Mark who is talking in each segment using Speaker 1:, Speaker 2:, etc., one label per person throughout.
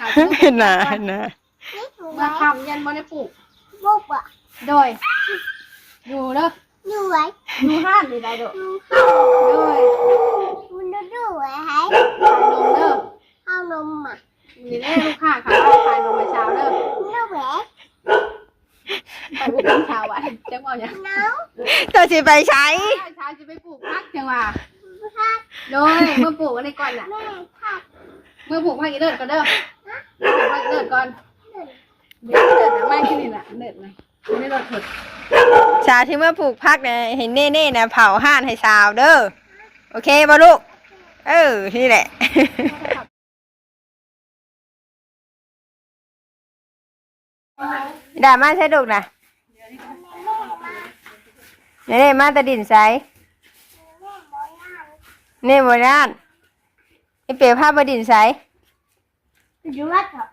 Speaker 1: ค่ะ
Speaker 2: น่ะน่ะ
Speaker 1: เมื่อคำยันบ่ได้ปลูก
Speaker 3: บุบอ่ะ
Speaker 1: โดยอยู่เด้อ
Speaker 3: ดูไว้
Speaker 1: อยู่ห้านหรือใดโดด
Speaker 3: ดู
Speaker 1: โดย
Speaker 3: มันดูไว้ให้
Speaker 1: ขายนมเด้อ
Speaker 3: เอานมอ่ะ
Speaker 1: นี่แน่ลูกค้าค่ะขายนมมาเช้าเด้อ
Speaker 3: ดูแหว
Speaker 1: ไปปลูกน้ำเช้าอ่ะจังว่าอย่าง
Speaker 3: น้อง
Speaker 2: ตัวสิไปใช้
Speaker 1: เช้าจะไปปลูกพักจังว่า
Speaker 3: พัก
Speaker 1: โดยเมื่อปลูกอันนี้ก่อนน่ะ
Speaker 3: แม่พัก
Speaker 1: เมื่อปลูกพักอีเดิดก่อนเด้อปลูกพักอีเดิดก่อนเดี๋ยวเดิดนะไม่ที่นี่น่ะเดิดนะไม่ได้รถถด
Speaker 2: ชาที่เมื่อผูกพักเนี่ยเห็นเน่ๆนะเผาห่านให้สาวเด้อโอเคบ่ลูกนี่แหละ ด่ามาใช่ลูกนะนี่มาตะดินใสนี่โบราณไอเปียวผ้าบดินใส
Speaker 3: อยู่วัดเหรอ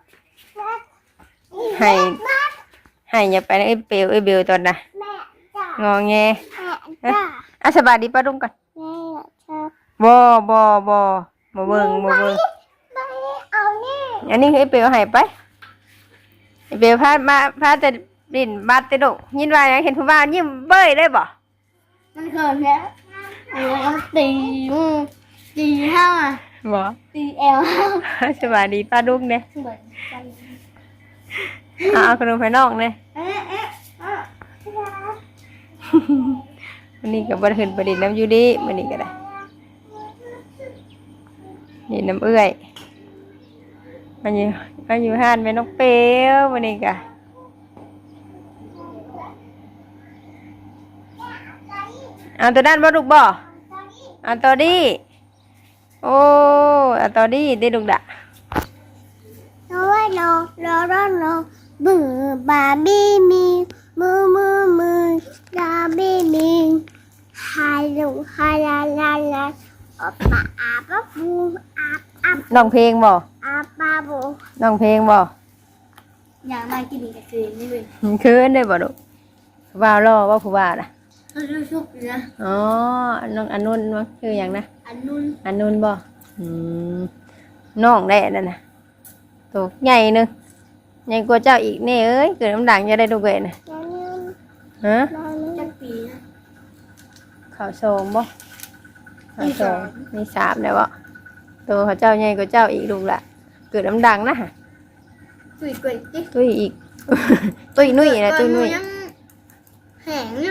Speaker 2: ให้อย่าไปนะไอเปียวไอเบลตอนน่ะ
Speaker 3: แม่จ้าง
Speaker 2: อแง
Speaker 3: แม่จ้า
Speaker 2: อ่ะสบายดีป้าดุ้งก่อน
Speaker 3: แม่จ้า
Speaker 2: บ่เบิ่ง
Speaker 3: ไม่เอานี่
Speaker 2: อันนี้คือไอเปียวให้ไปไอเปียวพาแต่ดินบัดแต่ดุยินว่ายังเห็นผู้บ่าวยิ้มเบ้ยได้บ่
Speaker 3: มันเขินแล้วตีตีห้า
Speaker 2: บ่
Speaker 3: ตีเอลห้า
Speaker 2: สบายดีป้าดุ้งเนี่ย
Speaker 3: เหมือนกัน
Speaker 2: เอาขนมไปนอกเนี่ย
Speaker 3: เอ๊ะเอ๊ะอ่ะ
Speaker 2: วันนี้ก็บ่ได้ขึ้นไปดินน้ำอยู่ดีวันนี้ก็ได้ดินน้ำเอื้อยมันอยู่ห้านแม่นกเปียววันนี้ก็เอาตัวด้านบ่ลูกบ่เอาตัวดีโอ้เอาตัวดีได้ลูกดะ
Speaker 3: โน้ยโนโนโนโนบือบาร์บี้มีมือบาร์บี้มีฮาลุฮาลาลาลาอาปะอาปะบูอาปอาป
Speaker 2: น้องเพลงบ่
Speaker 3: อาปาบู
Speaker 2: น้องเพลงบ่
Speaker 3: อย่างมากินกับคืนนี่เลย
Speaker 2: คืนได้บ่ลูกว่าวรอว่าผู้ว่าน่ะ
Speaker 3: เขาดูชุบนะ
Speaker 2: อ๋อน้องอนุนมั้งคืออย่างนะ
Speaker 3: อันนู้น
Speaker 2: อันนู้นบ่น้องได้นั่นน่ะตัวใหญ่นึงใหญ่กว่าเจ้าอีกแน่เอ้ยเกิดน้ำดังจะได้ดูเกยน่ะ
Speaker 3: แล้วนี่
Speaker 2: ฮะ
Speaker 3: จักปีนะ
Speaker 2: ข้าวโซงบ่ข้าวโซงมีสามแล้วบ่ตัวเขาเจ้าใหญ่กว่าเจ้าอีกลูกละเกิดน้ำดังนะฮะ
Speaker 3: ตุยกุยจิ
Speaker 2: ตุ้ยอีก ตุ้ยนุ่ยนะตุ้ยนุ่ย
Speaker 3: แห้งอยู่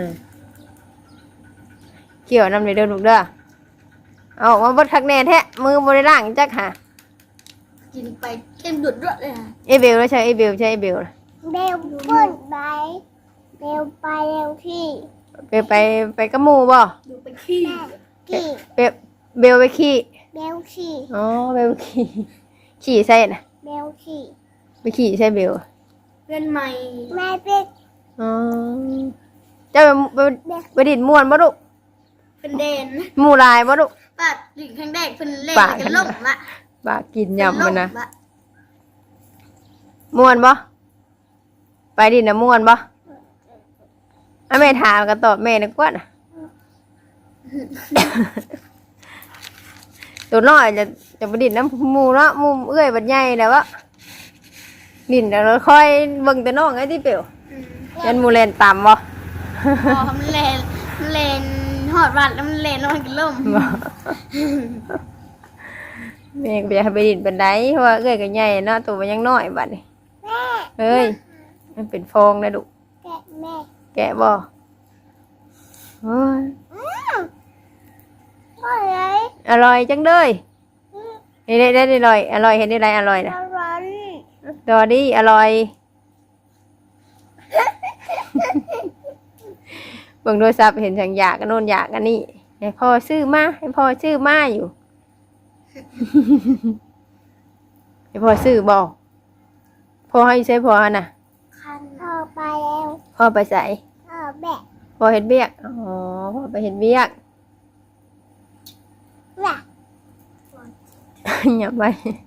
Speaker 2: เกี่ยวน้ำในเดินลูกเด้อเอามาบดคักแน่แท้มือบริล่างจักหา
Speaker 3: กินไปเข้มดุดด้วยเลยค่ะ
Speaker 2: ไอเบลแล้วใช่ไอเบลใช่ไอเบลล่ะ
Speaker 3: เบลพ่นไปเบลไปเร็วที่
Speaker 2: ไปกับหมู่บ่
Speaker 3: ดูไปขี้ขี้
Speaker 2: เบลไปขี่
Speaker 3: เบลขี้
Speaker 2: อ๋อเบลขี่ขี่ใส่น่ะ
Speaker 3: เบลขี้
Speaker 2: ไปขี่ใช่เบล
Speaker 3: เพื่อนใหม่แม่เป็น
Speaker 2: อ๋อเจ้าไปดินม่วนบ่ลูก
Speaker 3: เป็นเดน
Speaker 2: หมู่ลายบ่ลูก
Speaker 3: ปัดหลิงข้างแดกเป็นเล่นกันล่มละ
Speaker 2: บากินยำมันนะม่วนบ่ไปดินน่ะม่วนบ่อ่ะแม่ถามก็ตอบแม่นึกว่าน่ะ ตัวน้อยจะไปดินน้ำหมูเนาะหมูเอื้อยบัดใหญ่แล้ววะดินแล้วค่อยเบิ่งแต่น้องไอ้ที่เปียวยันหมูเลนต่ำบ่
Speaker 3: พอมันเลนหอดวัดแล้วมันเลนลงมากินล่ม
Speaker 2: บ่แม่ก็อยากให้ไปดินเป็นไดเพราะว่าเอื้อยก็ใหญ่เนาะตัวมันยังน้อยบัดนี้
Speaker 3: แม่
Speaker 2: เอ้ยมันเป็นฟองนะดุ
Speaker 3: แกะแม่
Speaker 2: แกะบ่โอ้ย
Speaker 3: พ่อเลย
Speaker 2: อร่อยจังเลยนี่ได้อร่อยอร่อยเห็นได้ไรอร่อยนะ
Speaker 3: ร้อน
Speaker 2: ดอดี้อร่อย เบิ่งโทรศัพท์เห็นสั่งอยากกันโน่นอยากกันนี่ให้พ่อซื้อมาให้พ่อซื้อมาอยู่ ให้พ่อซื้อบ่พ่อให้ใช้พ่อน่ะ
Speaker 3: คันพ่อไปแล้ว
Speaker 2: พ่อไปใส่
Speaker 3: พ่อแบก
Speaker 2: พ่อเห็นเบียกอ๋อพ่อไปเห็นเบียก
Speaker 3: แบก
Speaker 2: อย่าไป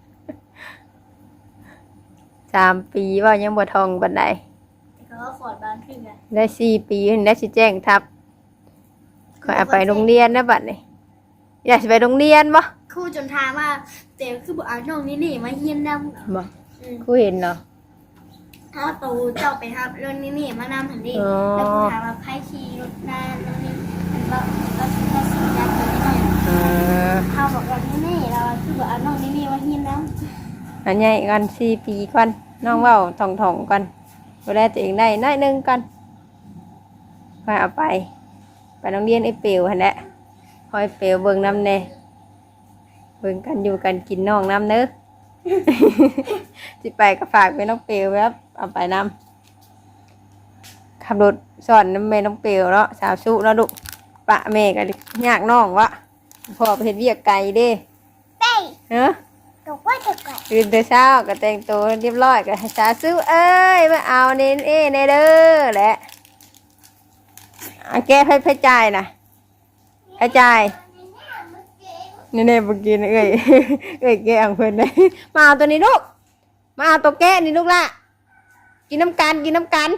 Speaker 2: 3 ปีว่ายังบ่ทองบันได
Speaker 3: แต่ก็ขอดบ้านขึ้นไง
Speaker 2: ได้4 ปีได้สิแจ้งทับขอเอาไปโรงเรียนนะบัดนี้อยากสิไปโรงเรียนบ่
Speaker 3: ครูจนทามว่าเต๋อคือบอกเอาน้องนี่มาเฮียนนำ
Speaker 2: บ่กูเห็นเนาะ
Speaker 3: ถ้าตูเจ้าไปครับเรื่องนี่มานำหันดิ
Speaker 2: อ๋อ
Speaker 3: แล้วกูถามว่าใครขี่รถนานแล้วนี่มันบอกเราสีดำตัวนี้หน่อย เขาบอกว่านี่เราคือบอกเอาน้องนี่มาเฮียนนำ
Speaker 2: อันใหญ่กัน4 ปีก่อนน้องเว้าท่องๆก่อนดูแลตัวเองได้น้อยหนึงก่อนค่อยเอาไปโรงเรียนไอ้เปียวหั่นแหละคอยเปียวเบิ่งนำแน่เบิ่งกันอยู่กันกินน้องน้ำเด้อ สิไปก็ฝากไปน้องเปียวครับเอาไปนำขับรถสอนน้ำแม่น้องเปียวเนาะสาวสุเนาะลูกปะแม่ก็ยากน้องวะพ่อไปเฮ็ดเวียกไกลเด้
Speaker 3: เป้
Speaker 2: เนาะ
Speaker 3: ตกว่าตกก่อน
Speaker 2: ตื่นแต่เช้าก็แต่งตัวเรียบร้อยก็ให้สาวสุเอ้ยมาเอาเน้นในเด้อแหละแก้ให้จ่ายนะให้จ่ายนี่เมื่อกี้เอ้ย เอ้ยแกงเพิ่นได้ มาเอาตัวนี้ลูกมาเอาตัวแก้นี่ลูกละกินน้ำกันกินน้ำกัน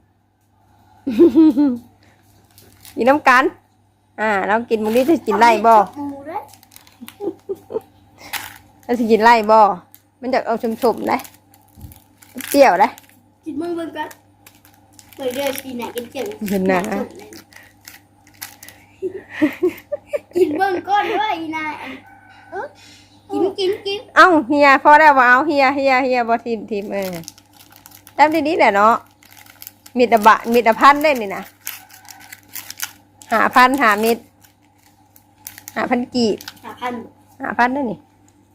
Speaker 2: กินน้ำกันเรากินมื้อนี้จะกินไล่บ่
Speaker 3: หมูด้วย
Speaker 2: เราจะกินไล่บ่มันจะเอาชมๆได้เปรี้ยวได้
Speaker 3: กินมึงเบิ่งกันเปิดเดือนปีไหนกินเจ๋ง
Speaker 2: เห็นหน้า
Speaker 3: กินเบิ่งก้อนด้วยอีนายกิน
Speaker 2: เอ้าเฮียพอแล้วบ่เอาเฮียบ่ทีมจำดีๆแหละเนาะมีแต่พันได้นี่นะ5,000 5 มิตร 5,000 กีบ 5,000ได้นี่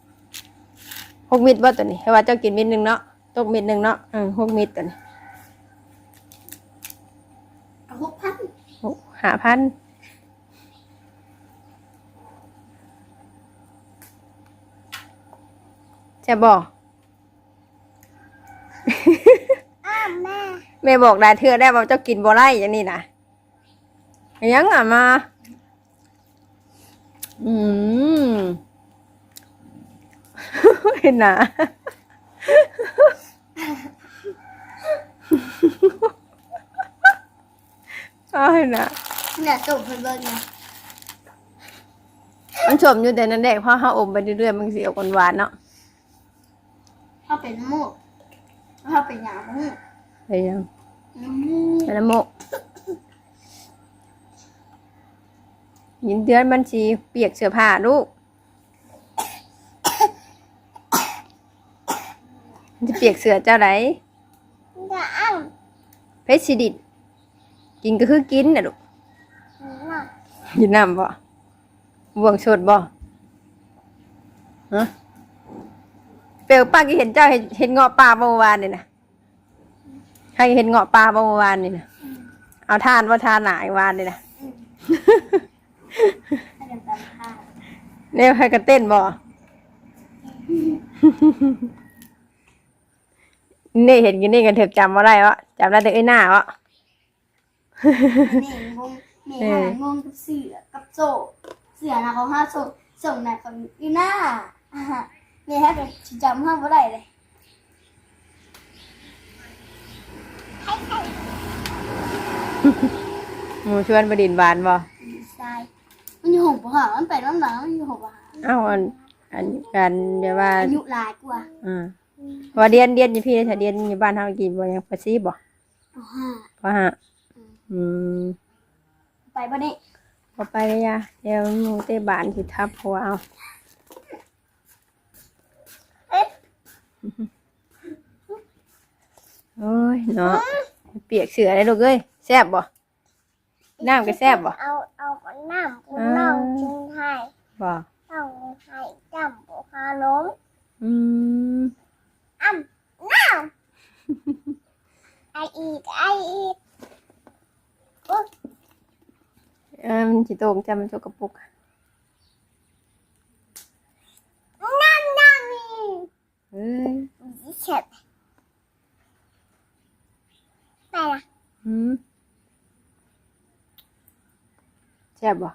Speaker 2: 6 มิตรบ่ตัวนี้เพราะว่าเจ้ากินมิตรนึงเนาะตกมิตรนึงเนาะ6 มิตรตัวนี้
Speaker 3: เอา6,000
Speaker 2: 5,000จะบอก แม่บอกได้เทื่อได้ว่าเจ้ากินบ่ไล่อย่างนี้นะยังมา เห็นนะเห็นนะ
Speaker 3: เนี่ยส่งเพิ่นเบิ่งนะ
Speaker 2: มันชมอยู่แต่นั้นแดกเพราะเขาอมไปเรื่อยๆมันเสียวหวานๆเนาะ
Speaker 3: เขาเป็นน้ำมูกเขาเป็นหยาบมูก
Speaker 2: ไปยัง
Speaker 3: น้ำมูก
Speaker 2: เป็นน้ำโมกยินเดือนมันสีเปียกเสื้อผ้าลูกมันจะเปียกเสื้อเจ้าไหน
Speaker 3: จะอ้าง
Speaker 2: เพชรสิดิดกินก็คือกินนะลูกกินน้ำบ่บ่วงสดบ่ฮะเปลวป้าก็เห็นเจ้าเห็นเงาะปลาเมื่อวานนี่นะใครเห็นเงาะปลาเมื่อวานนี่นะเอาทานว่าทานหนาอีกวานนี่นะ
Speaker 3: ให้กันตามค่า
Speaker 2: เนี่ยใครกันเต้นบ่ นี่เห็นกินนี่กันเถอะจำว่าได้วะจำได้แต่ไอ้หน้าวะ
Speaker 3: นี่งงนี่หางงกับเสือกับโซ่เสือนะเขาห้าโซ่ส่งนะเขาอีหน้านี่ฮะก็จำห้ามว่าได้เลย
Speaker 2: หมูชวนประดินบานบ่
Speaker 3: ใช่มันอยู่หงปะหามันไปน้ำหนักมันอยู่หงปะหา
Speaker 2: เอ้าอันกันเดี๋ยวว่า
Speaker 3: อายุหลายกว่า
Speaker 2: ว่าเรียนอยู่พี่ถ้าเรียนอยู่บ้านเฮากี่บ่ยังภาษีบ่
Speaker 3: ปะห้า
Speaker 2: เพราะฮะ
Speaker 3: ไปบ่นี่
Speaker 2: บ่ไปเลยย่าเดี๋ยวหมูเตะบานสิทับหัวเอาโอ้ยเนาะเปียกเสือได้ลูกเอ้ยแซ่บบ่น้ำก็แซ่บบ่
Speaker 3: เอาน้ำคุณน้องกินไทย
Speaker 2: บ่
Speaker 3: ต้องให้จำบุคาลม น้ำไออีก
Speaker 2: มันสิโตมจำมันสกปรก
Speaker 3: น้ำนี่
Speaker 2: เอ้ย
Speaker 3: เฉิดไปละ
Speaker 2: แซ่บบ่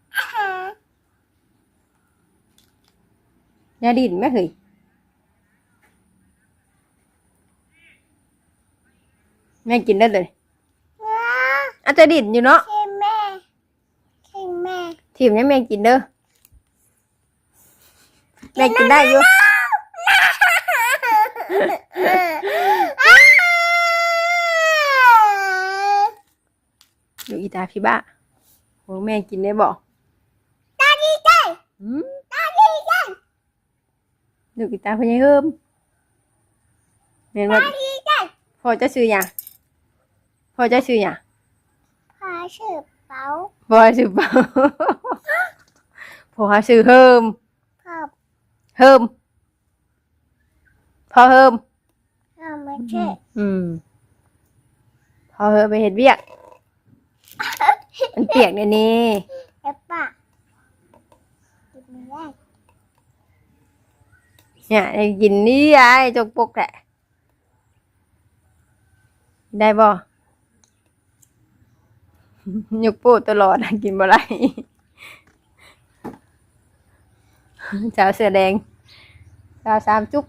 Speaker 2: ยาดินแม่เฮ้ยแม่กินได้เลยอาจจะดินอยู่เนาะ
Speaker 3: คิงแม่
Speaker 2: ทีมนี้แม่กินเด้อแม่กินได้อยู่ดูอีตาพี่บ้าโหแม่กินได้บ่
Speaker 3: ตาดีใจ
Speaker 2: หืม
Speaker 3: ตาดีใจ
Speaker 2: ดูอีตาพญายเฮิมแม่นว่า
Speaker 3: ตาดีใจ
Speaker 2: พ่อจะซื้อหยังพ่อจะซื้อหยัง
Speaker 3: พาชื่อเป๋า
Speaker 2: พ่อซื้อเปล่าพ่อซื้อเฮิม
Speaker 3: พ่อ
Speaker 2: เฮิมพ่อเฮิม
Speaker 3: พ่อไม่ใช่
Speaker 2: พ่อเฮิมไปเฮ็ดเวียกมันเปียกเนี่ยนี่
Speaker 3: เอปป้ากินไม่ได้
Speaker 2: เนี่ยได้กินนี่ไอ้จกปกแหละได้บ่ยกโป้ตลอดกินบ่ไรสาวเสื้อแดงสาวสามจุ๊บ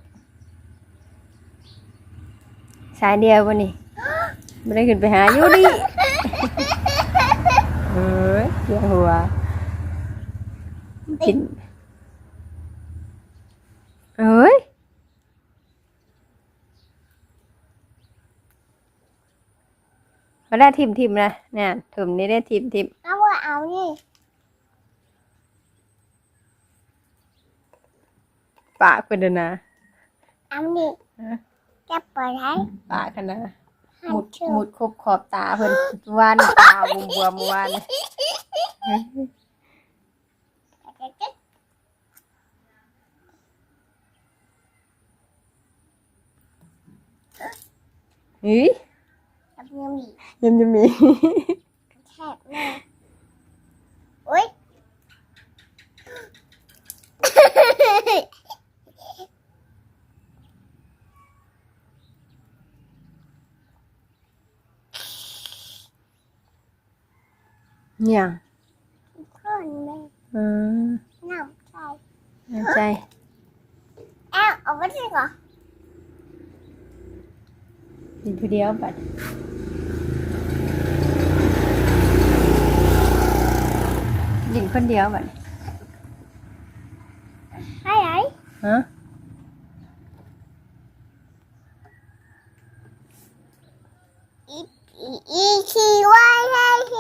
Speaker 2: สายเดียววันนี้ไม่ได้ขึ้นไปหาอยู่ดิเฮ้ยเสียหัวกินเอ้ยมาได้ทิมนะเนี่ยถึมนี่ได้ทิม
Speaker 3: เอาว่าเอานี่
Speaker 2: ปากเป็นเดยวนะ
Speaker 3: เอานี่จะเปิดให้
Speaker 2: ปากขนาด
Speaker 3: หั
Speaker 2: มุ
Speaker 3: น
Speaker 2: ด
Speaker 3: ชื่อ
Speaker 2: มุดครบขอบตาเพิ่นวานตาบวมๆวาน เฮ้ย
Speaker 3: ทำยังมี
Speaker 2: ยังจะมี
Speaker 3: แคบเลยอุ้ย
Speaker 2: เนี่ย
Speaker 3: คนเลย
Speaker 2: อืม
Speaker 3: น้ำใจ
Speaker 2: น่าใจ
Speaker 3: เอ้าเอาไปสิก่อน
Speaker 2: กินผู้เดียวบัดกินคนเดียวบัด
Speaker 3: ให้ไหน
Speaker 2: ฮะ
Speaker 3: อีชีไว้ให้ที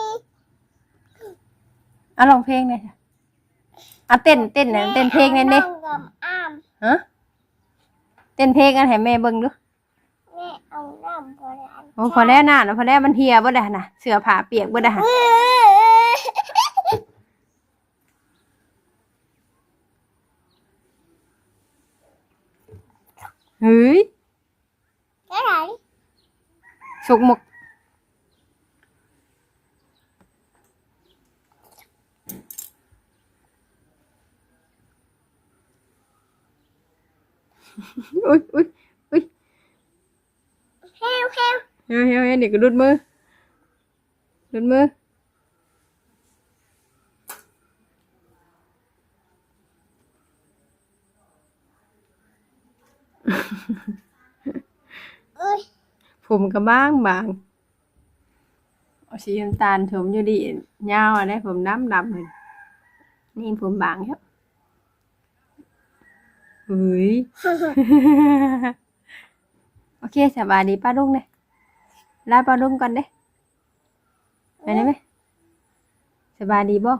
Speaker 2: เอาลองเพลงหน่อยค่ะเอาเต้นนะเต้นเพลงนั่นดิ
Speaker 3: แม่เอาน้ำกับอ้าม
Speaker 2: ฮะเต้นเพลงกันให้แม่เบิ่งดู
Speaker 3: แม่เอาน้ำพอแล้ว
Speaker 2: โอ้พอแล้วน่ะพอแล้วมันเหี่ยบ่ได้น่ะเสื้อผ้าเปียกบ่ได้ เฮ้ย
Speaker 3: cái này
Speaker 2: สุกหมกอุ้ยอุ้ยอุ้ย
Speaker 3: heo heo
Speaker 2: เฮ้ยเฮ้ยเฮ้ยเด็กก็รุดมือรุดมือ
Speaker 3: ui
Speaker 2: ผมก็บางเอาสีน้ำตาลถมอยู่ดียาวอะได้ผมดำเลยนี่ผมบางครับเฮ้ย โอเคสบายดีป้าลุงเลยลาป้าลุงก่อนเด้ไปได้ไหมสบายดีบ่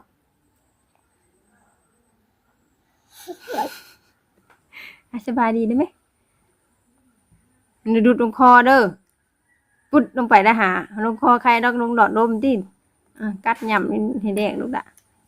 Speaker 2: สบายดีได้ไหมมันดูดลงคอเด้อปุดลงไปนะหาลงคอใครดอกลงดอดลมที่กัดย่ำให้แดงลูกละ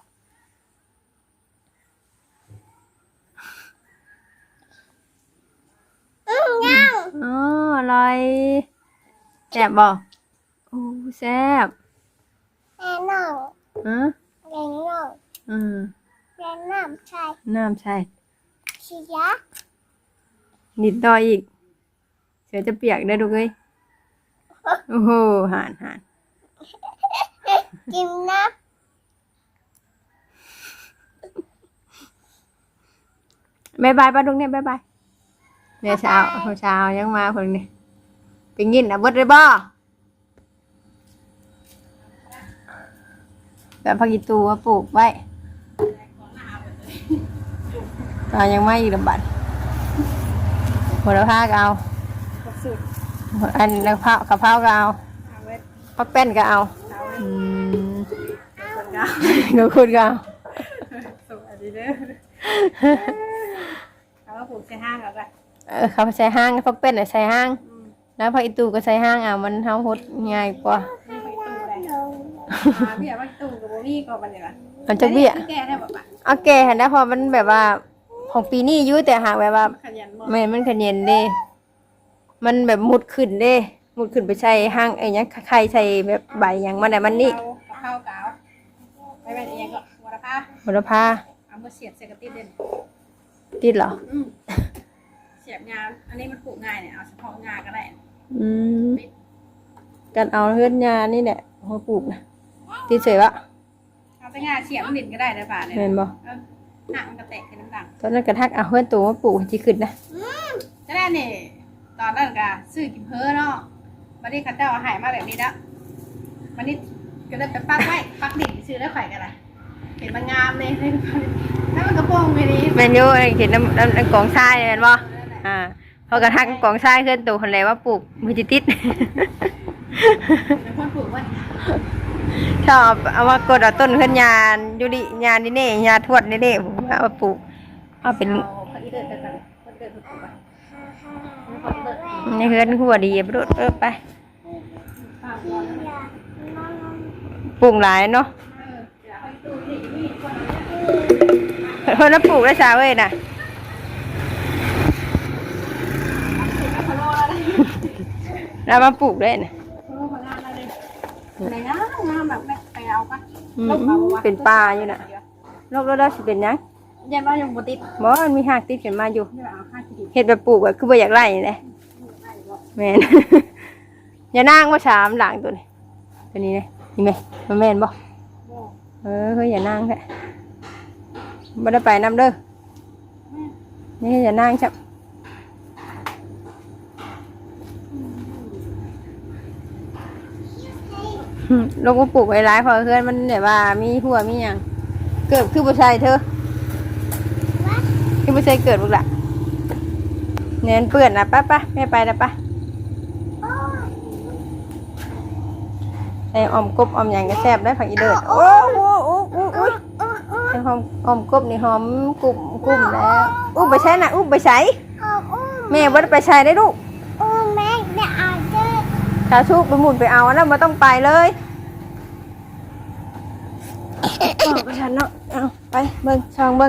Speaker 3: nhau
Speaker 2: อ๋ออร่อยแซ่บบ่โอ้แซ่บ
Speaker 3: nè non
Speaker 2: ฮะ
Speaker 3: nè non
Speaker 2: อืม
Speaker 3: nè nam sai
Speaker 2: น้ำใช่
Speaker 3: chi giá
Speaker 2: นิดต่ออีกเสือจะเปียกได้ดูเลยโอ้โหหาน
Speaker 3: kim nắp
Speaker 2: บายบายป้าดุงเนี่ยบายบายเนี่ยเช้ายังมาคนนี้ไปกินอ่ะเบิดเลยบ่แบบผักอีตูมาปลูกไว้เอายังไม่อีกระบาดหัวละผ้าก็เอา
Speaker 1: ครบสูตร
Speaker 2: อันกะเพราก็เอา
Speaker 1: เอาไว้
Speaker 2: ผักแป้นก็เอา
Speaker 1: เอาไว้
Speaker 2: อืม
Speaker 1: คนเก่า
Speaker 2: เดี๋ยวคุณก็เอา
Speaker 1: สวัสดีเด้อเอาว่าปลูกใส่ห้างเอากัน
Speaker 2: เขาใส่ห้างผักแป้นใส่ห้าง แล้วผักอีตูก็ใส่ห้างเอามันเฮาหดง่ายกว่า
Speaker 1: นี่ไปตู้ได้เบี้ยว่าตู้กับโบวี่ก็มันเลยล่ะ
Speaker 2: มันจะเบี้ย
Speaker 1: แก้ได้แบบว่า
Speaker 2: โอเคเห็นได้พอมันแบบว่าของปีนี้อยุ่แต่หากแบบว่า
Speaker 1: ขยันหมด
Speaker 2: มันขยันเด้มันแบบมุดขึ้นเด้มุดขึ้นไปใส่ห้างไอ้เนี้ยใครใส่แบบใบอย่างมันแต่มันนี่
Speaker 1: ข้าวเก่าไปเป็นเองก็วัวผ้า
Speaker 2: บุรพา
Speaker 1: เอามาเสียบใส่กระติบเด่น
Speaker 2: ติดเหรอ
Speaker 1: เสียบงานอันนี้มันปลูกง่ายเนี่ยเอาเฉพาะงาก็ได้
Speaker 2: อืมกันเอาเฮือนยานี่แหละเขาปลูกนะติดเฉยวะ
Speaker 1: เอาไปงาเสียบมันดินก็ได้นะป่าเนี่ย
Speaker 2: เห็นบ่
Speaker 1: หนักมันกระแตกเป็นน้ำดัง
Speaker 2: ตอนนั้นกระทักเอาเฮือนตัวมาปลูกจีขึ้นนะ
Speaker 1: จะได้เนี่ยตอนนั้นก็ซื้อกินเพ้อเนาะวันนี้ข้าเจ้าหายมาแบบนี้แล้ววันนี้ก็เลยไปปักไว้ปักดินซื้อได้ข่อยกันละเห็นมันงามเลยแล้วมันกระโปรงไปนี้
Speaker 2: แมนยูเห็นน้ำกองทรายเห็นบ่พอกระทักกองทรายเฮือนตัวคนเลยว่าปลูกมันจะติด
Speaker 1: เป็นคนปลูกไว้
Speaker 2: ชอบเอามากดเอาต้นขึ้นยานยูริยานนี่เน่ยาทวดนี่เน่ผมเอามาปลูกเอาเป็น
Speaker 1: เอาคนที่เดินกันคนเดินปลูกไว้คนเดิน
Speaker 2: ในเฮือนหัวดีบรุษไป
Speaker 1: ข้าวร้อน
Speaker 2: ปลูกหลายเนาะเพิ่นน่ะปลูกได้ชาเว้ยน่ะแล้วมาปลูกได้น่ะ
Speaker 1: ในงามแบบไปเอาปะ
Speaker 2: เป็นป่าอยู่น่ะโลกแล้วสิเป็นหยัง
Speaker 1: ยันว่ายังบ่ติด
Speaker 2: บ่มันมีหากติดขึ้นมาอยู่
Speaker 1: เดี๋ยวเอาข้าวกิน
Speaker 2: เฮ็ดแบบปลูกแบบคือบ่อยากไล่นี่แหละแม่น อย่านางว่าชามหลังตัวนี้ตัวนี้นะนี่แม่มันแม่นบ่เฮ้ยอย่านางแท้บ่ได้ไปนำเด้อนี่อย่านางจับลงมาปลูกไว้หลายพอเพื่อนมันแบบว่ามีหัวมีหยังเกิดคือบ่ใช่เธอคือบ่ใช่เกิดบุกละเน้นเปื้อนนะป้าแม่ไปแล้วป้าไอ้ออมกบออมหยังก็แซ่บได้ผักอีเดิดโอ้โหไอ้หอมออมกบนี่หอมกลุ่มแล้วอุ้มไปใช้น่ะอุ้มไปใช้แม่บ่ได้ไปใช้ได้ลูก
Speaker 3: แม่เดี๋ยวเอาเจอ
Speaker 2: ชาชูไปหมุนไปเอาแล้วมาต้องไปเลยไปฉันเนาะเอาไปเบิ้งช่องเบิ้ง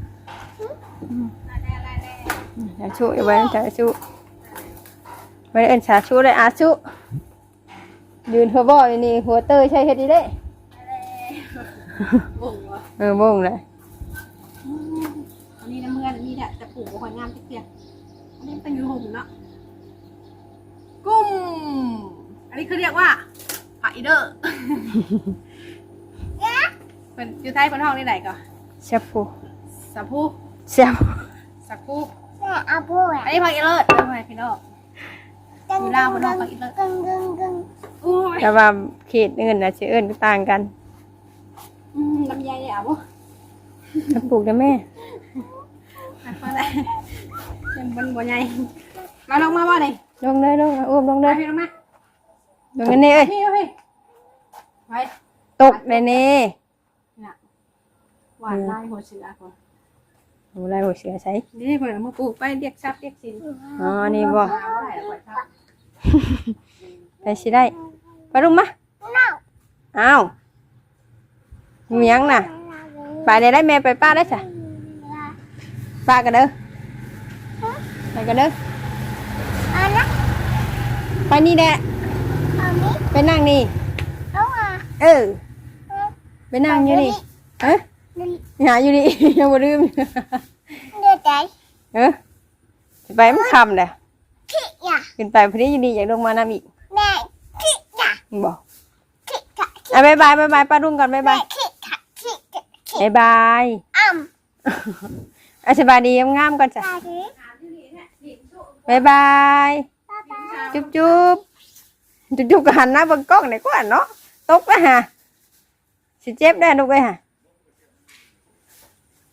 Speaker 2: ชาชูเอาไว้ชาชูไว้เอ็นชาชูเลยอาชูยืนหัวบ่อยนี่หัวเตยใช่เฮ็ดดีเด้
Speaker 1: บ่งวะ
Speaker 2: บ่งเลย
Speaker 1: อันนี้น้ำเมื่อนนี่แหละจะปลูกบ่ค่อยงามจักเที่ยอันนี้เป็นอยู่ห่มเนาะกุ้มอันนี้คือเรียกว่าผักอีเดอร์เป็นอยู่ไทยเป็นห้องนี่ไหนก่อน
Speaker 2: เชฟผู้
Speaker 1: สับพู
Speaker 2: เชฟ
Speaker 1: สักพู
Speaker 3: แม่เอาพูด
Speaker 1: อันนี้ผักอีเลิศเป็นไงพี่น้อง
Speaker 3: กึ่ง
Speaker 1: อู้ย
Speaker 2: แต่ว่าเขตเงินนะชื่อเอิ้นก็ต่างกัน
Speaker 1: ลำไยเนี่ยอ่ะบ่
Speaker 2: ถ้าปลูกได้แม่
Speaker 1: มาได้ยังบนบ่ใหญ่มาลงมาบ่นี่
Speaker 2: ลงเลยอุ้มลงเล
Speaker 1: มาย พี่ลงมา
Speaker 2: ลงกันนี่เอ้ย
Speaker 1: พี่พี่ไป
Speaker 2: ตกเลยนี่
Speaker 1: น่ะหวานลายหัวเสือก่อน
Speaker 2: โอ้ไรหัวเสือใส่
Speaker 1: นี่เพิ่นเอามาปลูกไปเรียกทรัพย์เรียกสิน
Speaker 2: อ๋อนี่บ่
Speaker 1: เอาไว้แล้วปล่อยทรัพย์
Speaker 2: ไปสิได้ไปลุงมาอ้าวมีหยังน่ะไปได้แม่ไปป้าได้จ้ะป้ากันเด้อไปกันเด้อ
Speaker 3: เอานะ
Speaker 2: ไปนี่แหละ
Speaker 3: เอานี้
Speaker 2: ไปนั่งนี่
Speaker 3: เอาอ่ะ
Speaker 2: เออไปนั่งอยู่นี่เอ้ยหาอยู่นี่ ยังบ่ลืม
Speaker 3: เดี๋ยวใจ
Speaker 2: สิไปมันคำเลย
Speaker 3: ขี้อ่ะ
Speaker 2: ขึ้นไปพอดีอยู่นี่อยากลงมาน้ำอีก
Speaker 3: แม่ขี้อ่ะ
Speaker 2: บอก
Speaker 3: ขี้ค่ะ
Speaker 2: อ่ะบ๊ายบายป้ารุ่งก่อนบ๊าย
Speaker 3: แม่
Speaker 2: บาย
Speaker 3: ขี้ค่ะขี้ค่ะ
Speaker 2: บ๊ายบาย
Speaker 3: อ้ำ
Speaker 2: สบายดีงามๆก่อนจ้ะ
Speaker 3: ตาดี
Speaker 2: บ๊ายบาย
Speaker 3: ป้าป้า
Speaker 2: จุ๊บก็หันหน้าเบนกล้องไหนก็หันเนาะตกนะฮะสิเจ็บได้ลูกเลยฮะโอเค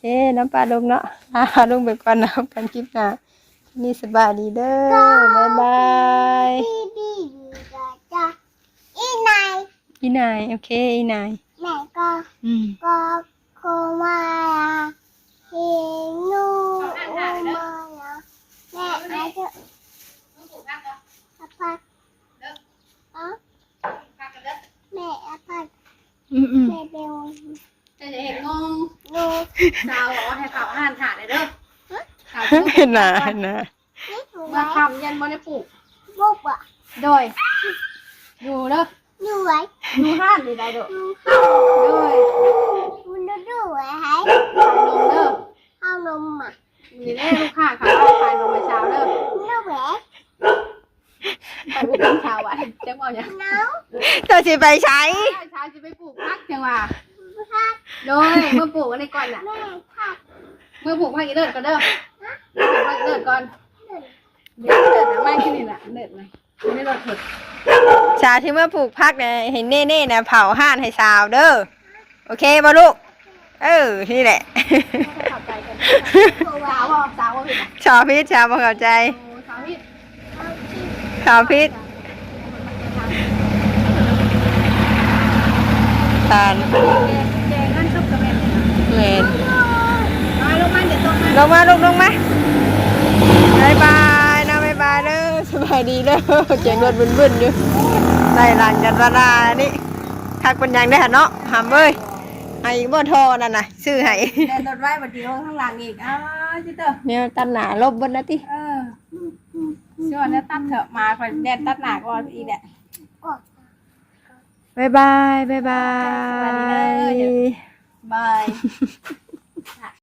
Speaker 2: น้ำปลาลุงเนาะลุงไปก่อนนะกันคลิปหน้านี่สบายดีเด้อบ๊ายบาย
Speaker 3: บีบีจ้าอีนาย
Speaker 2: อีนายโอเคอีนาย
Speaker 3: แม่ก็
Speaker 2: Ừ.
Speaker 3: โคมาเฮนูมาแม่ไอ้เจ้า
Speaker 1: ต้องปลูกผักเหรอ
Speaker 3: อาพัด
Speaker 1: เด้อ
Speaker 3: อ๋อ
Speaker 1: ผักกันเด้อ
Speaker 3: แม่อาพัด
Speaker 2: อืม
Speaker 3: แม่เบล
Speaker 1: จะเห็นงง
Speaker 3: นู
Speaker 1: สาวบอกว่าให้เขาอาหารถาดเลยเด้อสาว
Speaker 2: เห็นนะเห็นนะ
Speaker 3: นี่ถูกไหม
Speaker 1: มาทำยันบ่ได้ปลูก
Speaker 3: บุกอ่ะ
Speaker 1: โดยอยู่เด้อ
Speaker 3: ดูไว้
Speaker 1: อยู่ห้านนี่ได้เด้อ
Speaker 3: ดู
Speaker 1: โดย
Speaker 3: ดูไว้ให้
Speaker 1: ขายนมเด้อ
Speaker 3: เอานมอ่ะ
Speaker 1: มีแน่ลูกค้าเขาเอาขายนมไปเช้าเด้อ
Speaker 3: ดูแหว
Speaker 1: ไปบุกเป็นเช้าอ่ะจังว่าหยัง
Speaker 3: น้อง
Speaker 2: เธอสิไปใช้
Speaker 1: เช้าจะไปปลูกผักจังว่า
Speaker 3: พัด
Speaker 1: โดยเมื่อปลูกอะไรก่อนน่ะ
Speaker 3: แม่พัด
Speaker 1: เมื่อปลูกผักอีเลิศก่อนเด้อปลูกผักอีเลิศก่อนเลิศนะไม่ขึ้นนี่น่ะเลิศไหมไม่ได้เลิศเถิด
Speaker 2: ชาที่เมื่อปลูกพักเนี่ยเห็นเน่ๆนะเผาห่านให้สาวเด้อโอเคบ่ลูกนี่แหละ
Speaker 1: เข้าใจกันสาวบ่สาวบ่ผิดอ่ะ
Speaker 2: ชาวพิษชาวบ่เข้าใจ
Speaker 1: โอ้สาวผิด
Speaker 2: ชาวพิษทาน
Speaker 1: แดงนั่นชอบกระเม็ด
Speaker 2: เวน
Speaker 1: มาลงมาเดี๋ยวตรงมา
Speaker 2: ลงมาลูกลงมาบายบายนะบายบายเด้อสบายดีเด้อเจียงรถบึ้นๆอยู่ไล่หลังกันตาลานี่คักเป็นยังได้หะเนาะหำเอ้ยไอ้บ่โทรนั่นน่ะซื้อให้
Speaker 1: แดนรถไว้บัดเดียวข้างหลังอีกจิเตอร์
Speaker 2: เนี่ยตัดหนาลบบนนะติ
Speaker 1: ช่วงนี้ตัดเถอะมาคอยแดนตัดหนาก่อนอีกแหละ
Speaker 2: บายบายบายบา
Speaker 1: สวัสดีเด้อ
Speaker 2: ย
Speaker 1: บาย